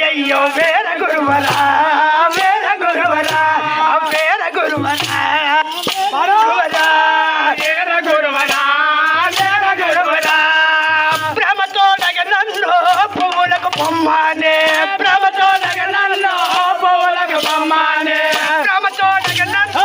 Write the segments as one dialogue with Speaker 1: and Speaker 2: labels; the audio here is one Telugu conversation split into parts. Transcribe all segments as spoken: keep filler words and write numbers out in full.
Speaker 1: అయ్యయ్యో వేర గురువరా వేర గురువరా వేర గురువరా గురువరా వేర గురువరా వేర గురువరా ప్రేమతో నన్ను పువ్వులకు పొమ్మానే ప్రేమతో నన్ను పువ్వులకు పొమ్మానే ప్రేమతో నన్ను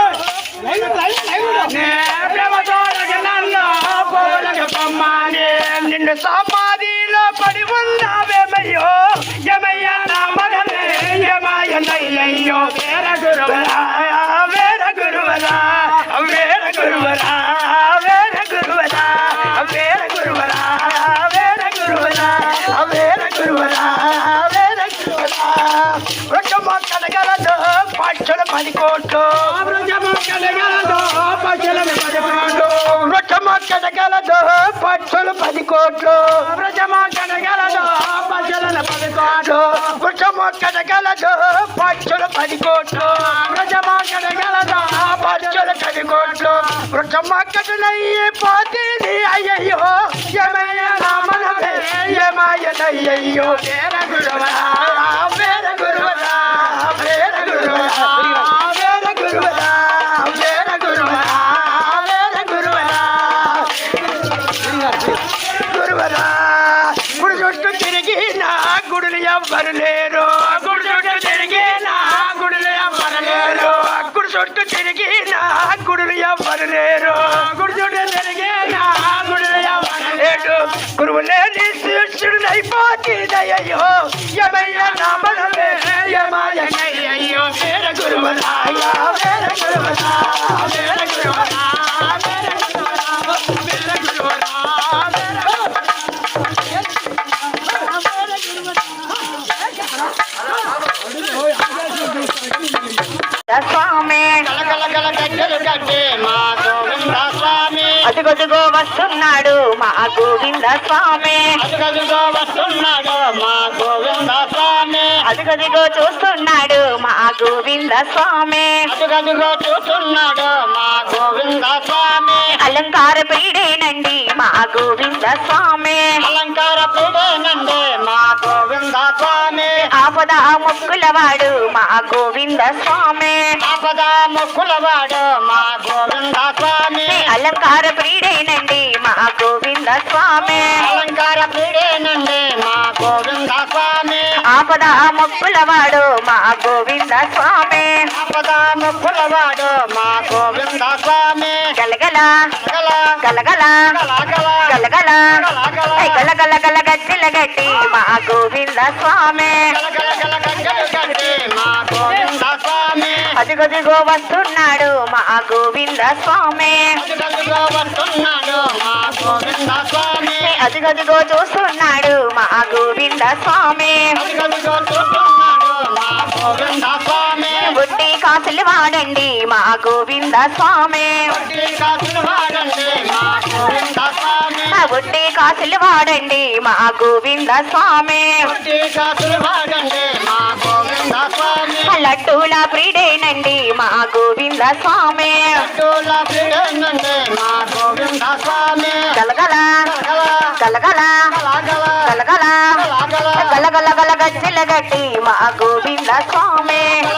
Speaker 1: ప్రేమతో నన్ను పువ్వులకు పొమ్మానే నిన్ను సమాధిలో పడి ఉన్నావేమయ్యో యమయ్య నా మగనే యమయ్యో వేర గురువరా వేర గురువరా వేర గురువరా వేర గురువరా వేర గురువరా వేర గురువరా వేర గురువరా వేర గురువరా వృక్షమ కలగలదు పక్షుల పది కోట్లు వృక్షమ కలగలదు పక్షుల పది కోట్లు వృక్షమ కలగలదు పక్షుల పది కోట్లు వృక్షమ కలగలదు పక్షుల పది కోట్లు వృక్షమ కలగలదు పక్షుల పది కోట్లు వృక్షమ కలగలదు పక్షుల పది కోట్లు వృక్షమ కటనయ్యే పోతేది అయ్యయ్యో యమయ రామనవే యమయనయ్యయ్యో వేర గురువరా వేర గురువరా వేర గురువరా వేర గురువరా వేర గురువరా వేర గురువరా గురువరా గుడి చుట్టూ తిరిగి నా గుడులు ఎవ్వరు లేరు గుడి చుట్టూ తిరిగి నా గుడులు ఎవ్వరు లేరు గుడి చుట్టూ తిరిగి నా గుడులు ఎవ్వరు లేరు గుడి చుట్టూ తిరిగి నా గుడులు ఎవ్వరు లేడు గురువు లేని శిష్యుడైపోతీదయ్యో యమయ్య నామనవే యమయ్యో వేర గురువరా వేర గురువరా వేర గురువరా వేర గురువరా వేర గురువరా
Speaker 2: స్వామి అదిగదిగో వస్తున్నాడు మా గోవింద స్వామి
Speaker 1: అదిగదిగో వస్తున్నాడు మా గోవింద స్వామి
Speaker 2: అదిగదిగో చూస్తున్నాడు మా గోవింద స్వామి
Speaker 1: అదిగదిగో చూస్తున్నాడు మా గోవింద స్వామి
Speaker 2: అలంకార ప్రియుడేనండి మా గోవింద స్వామి
Speaker 1: అలంకార ప్రియుడేనండి మా గోవింద స్వామి
Speaker 2: ఆపద మొక్కులవాడు మా గోవింద స్వామి
Speaker 1: ఆపద మొక్కులవాడు మా గోవింద స్వామి
Speaker 2: అలంకార ప్రియుడేనండి మా గోవింద స్వామి
Speaker 1: అలంకార ప్రియుడేనండి మా గోవింద స్వామి
Speaker 2: ఆపద మొక్కులవాడు మా గోవింద స్వామి
Speaker 1: ఆపద మొక్కులవాడు మా గోవింద స్వామి
Speaker 2: గలగల
Speaker 1: గల
Speaker 2: గలగల
Speaker 1: గల
Speaker 2: గలగల గలగల గల గజ్జల గట్టి మా గోవింద స్వామి
Speaker 1: గల గల గజ్జలు కట్టి మా గోవింద స్వామి
Speaker 2: అదిగదిగో వస్తున్నాడు మా గోవింద స్వామి
Speaker 1: అదిగదిగో వస్తున్నాడు మా గోవింద స్వామి
Speaker 2: అదిగదిగో చూస్తున్నాడు మా గోవింద స్వామి
Speaker 1: అదిగదిగో చూస్తున్నాడు మా గోవింద స్వామి
Speaker 2: బుట్టి కాసులు వాడండి మా గోవింద స్వామి
Speaker 1: వడ్డీ కాసులు వాడండి మా గోవింద స్వామి
Speaker 2: బుట్టి కాసులు వాడండి మా గోవింద స్వామి
Speaker 1: వడ్డీ కాసులు వాడండి మా గోవింద స్వామి
Speaker 2: లడ్డూల ప్రియుడేనండి మా గోవింద స్వామి
Speaker 1: లడ్డూల ప్రియుడేనండి మా గోవింద స్వామి
Speaker 2: గలగల గలగల గలగల గలగల గల గజ్జల గట్టి మా గోవింద స్వామి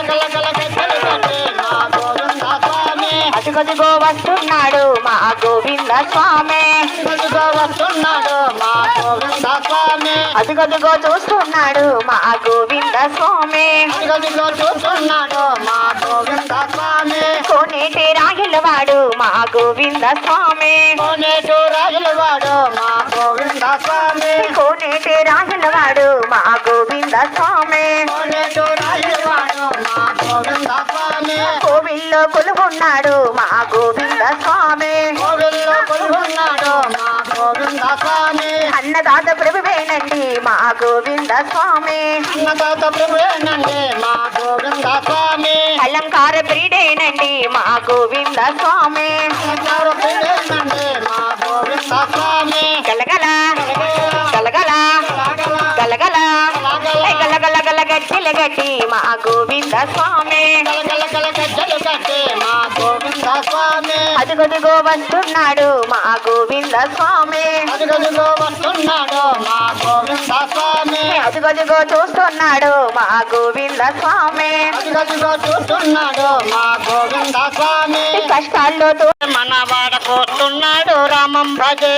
Speaker 2: అదిగదిగో వస్తున్నాడు మా గోవింద స్వామి
Speaker 1: వస్తున్నాడు మా గోవింద స్వామి
Speaker 2: అదిగదిగో చూస్తున్నాడు మా గోవింద స్వామి
Speaker 1: అదిగదిగో చూస్తున్నాడు మా గోవింద స్వామి
Speaker 2: కోనేటి రాయలవాడు మా గోవింద స్వామి
Speaker 1: కోనేటు రాజులవాడు మా గోవింద స్వామి
Speaker 2: కోనేటి రాయలవాడు మా గోవింద స్వామి
Speaker 1: కోనేటు రాజులవాడు మా గోవింద స్వామి
Speaker 2: కోవిల్లో కొలువున్నాడు మా గోవింద స్వామి
Speaker 1: కోవిల్లో కొలువున్నాడు మా గోవింద స్వామి
Speaker 2: అన్నదాత ప్రభువేనండి మా గోవింద స్వామి
Speaker 1: అన్నదాత ప్రభువేనండి మా గోవింద స్వామి
Speaker 2: అలంకార ప్రియుడేనండి మా గోవింద స్వామి
Speaker 1: అలంకార ప్రియుడేనండి మా గోవింద స్వామి
Speaker 2: గలగల గలగల గలగల గలగల గల గజ్జల గట్టి మా గోవింద స్వామి అదిగదిగో వస్తున్నాడు మా గోవింద స్వామి
Speaker 1: అదిగదిగో వస్తున్నాడు మా గోవింద స్వామి
Speaker 2: అదిగదిగో చూస్తున్నాడు మా గోవింద స్వామి
Speaker 3: అదిగదిగో చూస్తున్నాడు మా గోవింద స్వామి
Speaker 2: కష్టాల్లో తో-
Speaker 3: మన వాడకొస్తున్నాడు రామం భజే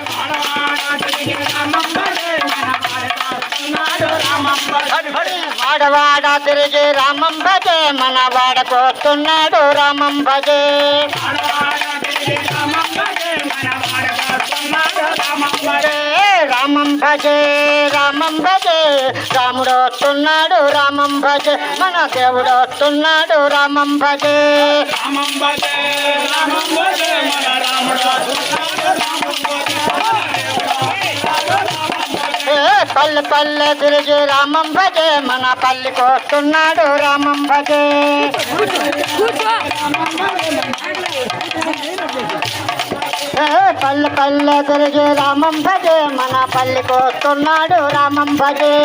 Speaker 3: వాడవాడ తిరిగి రామం భజే మన వాడకొస్తున్నాడు రామం భజే రామం భజే రామం భజే రాముడు వస్తున్నాడు రామం భజే మన దేవుడు వస్తున్నాడు రామం భజే ఏ పల్లె పల్లె తిరిగి రామం భజే మన పల్లికి వస్తున్నాడు రామం భజే ఏ పల్లె పల్లె తిరిగి రామం భజే మన పల్లికి వస్తున్నాడు రామం భజే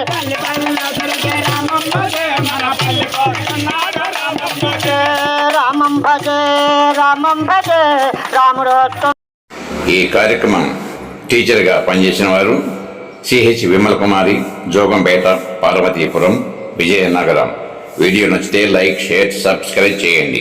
Speaker 3: రామం భజే రామం భజే రాముడు వస్తున్నాడు.
Speaker 4: ఈ కార్యక్రమం టీచర్గా పనిచేసిన వారు సిహెచ్ విమల కుమారి, జోగంపేట, పార్వతీపురం, విజయనగరం. వీడియో నచ్చితే లైక్, షేర్, సబ్స్క్రైబ్ చేయండి.